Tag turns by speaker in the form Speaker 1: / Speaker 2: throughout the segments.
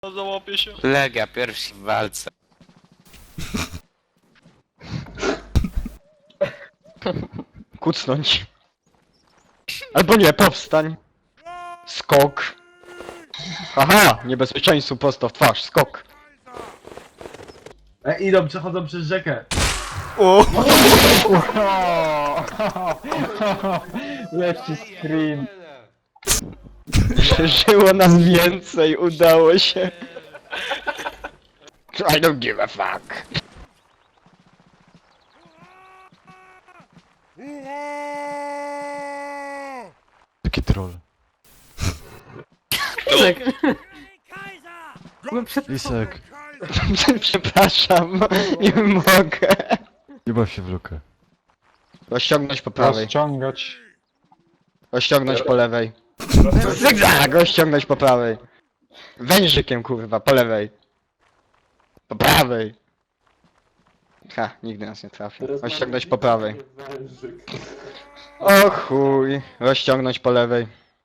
Speaker 1: Załapię się.
Speaker 2: Legia pierwsi w walce.
Speaker 3: Kucnąć. Albo nie, powstań. Skok. Aha, niebezpieczeństwu prosto w twarz, skok.
Speaker 4: Idą, przechodzą przez rzekę.
Speaker 5: Lepszy screen.
Speaker 3: Przeżyło nas więcej, udało się. I don't give a fuck.
Speaker 5: Taki troll. Lisek.
Speaker 3: Przepraszam, nie mogę.
Speaker 5: Nie baw się w lukę.
Speaker 3: Rozciągnąć po prawej,
Speaker 5: Rozciągać.
Speaker 3: rozciągnąć po lewej. Zygzak, rozciągnąć po prawej. Wężykiem kurwa, po lewej. Po prawej. Ha, nigdy nas nie trafi. Rozciągnąć po prawej. O chuj, rozciągnąć po lewej.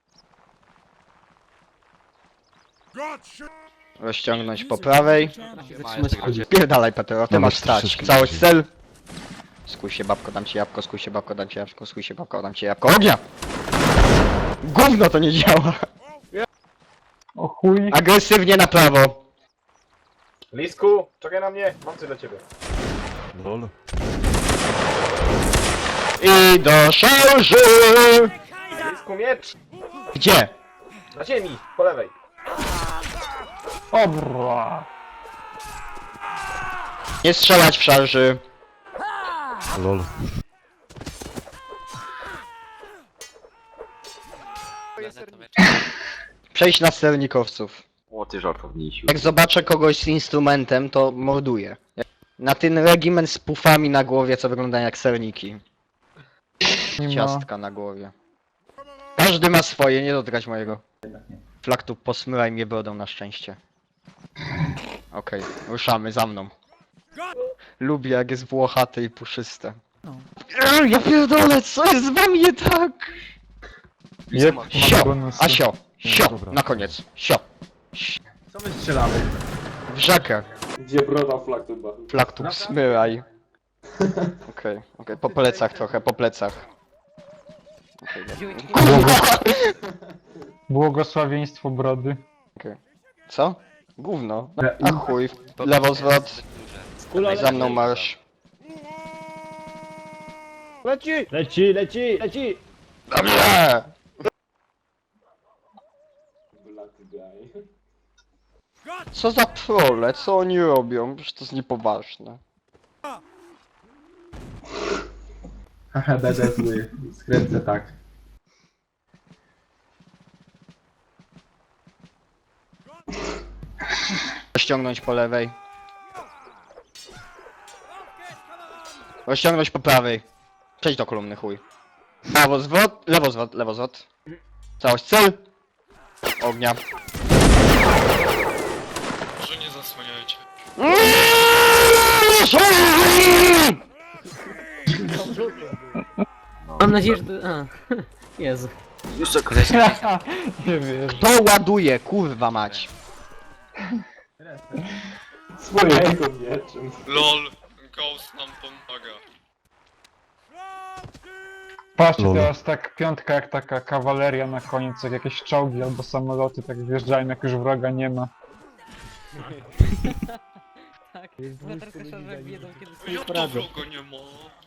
Speaker 3: Rozciągnąć po prawej. Pierdalaj Petero, ty
Speaker 5: No,
Speaker 3: masz
Speaker 5: masz
Speaker 3: stać.
Speaker 5: wszystkie
Speaker 3: Całość
Speaker 5: dzisiaj.
Speaker 3: cel. Skuj się babko, dam ci jabłko, skuj się babko, dam ci jabłko, skuj się babko, dam ci jabłko. Ognia! Gówno to nie działa.
Speaker 5: O chuj.
Speaker 3: Agresywnie na prawo.
Speaker 4: Lisku, czekaj na mnie, mam coś dla ciebie.
Speaker 5: Lol.
Speaker 3: I do szarży!
Speaker 4: Lisku, miecz!
Speaker 3: Gdzie?
Speaker 4: Na ziemi, po lewej.
Speaker 5: Obra.
Speaker 3: Nie strzelać w szarży.
Speaker 5: Lol.
Speaker 3: Przejść na sternikowców.
Speaker 1: O ty żartownisiu.
Speaker 3: Jak zobaczę kogoś z instrumentem, to morduję. Na ten regiment z pufami na głowie, co wyglądają jak serniki.
Speaker 5: Nie ma.
Speaker 3: Ciastka na głowie. Każdy ma swoje, nie dotykać mojego. Flaktu, posmyraj mnie brodą na szczęście. Okej, ruszamy, za mną. Lubię jak jest włochate i puszyste. Ja pierdolę, co jest z wami nie tak?
Speaker 5: Jeb,
Speaker 3: Sio, a sio,
Speaker 5: Nie,
Speaker 3: sio,
Speaker 5: dobra.
Speaker 3: na koniec, sio.
Speaker 4: Co my strzelamy?
Speaker 3: W rzekę.
Speaker 6: Gdzie broda flaktuba?
Speaker 3: Flaktu, smyraj. Okej, po plecach trochę, po plecach. Okej,
Speaker 5: Błogosławieństwo brody.
Speaker 3: co? Gówno. A chuj, lewo zwrot, za mną marsz.
Speaker 4: Leci! Leci, leci, leci!
Speaker 3: Dobrze!
Speaker 6: Black guy.
Speaker 3: Co za trole, co oni robią? Przecież to jest niepoważne.
Speaker 4: Haha, będę zły. Skręcę tak.
Speaker 3: Rozciągnąć po lewej. Rozciągnąć po prawej. Przejdź do kolumny, chuj. Prawo zwrot, lewo zwrot. Całość cel. Ognia.
Speaker 1: Może nie zasłaniajcie.
Speaker 7: Mam nadzieję, że to... A, Jezu.
Speaker 5: Nie wiesz.
Speaker 3: Kto ładuje, kurwa mać?
Speaker 6: Swojego mieczem.
Speaker 1: LOL, Ghost nam pomaga.
Speaker 5: Patrzcie Lol. teraz tak piątka jak taka kawaleria na koniec, jak jakieś czołgi albo samoloty tak wjeżdżają jak już wroga nie ma.
Speaker 7: Tak, chyba trochę szarżek wiedzą, kiedy sobie
Speaker 1: Jak to
Speaker 7: poradzą.
Speaker 1: wroga nie ma?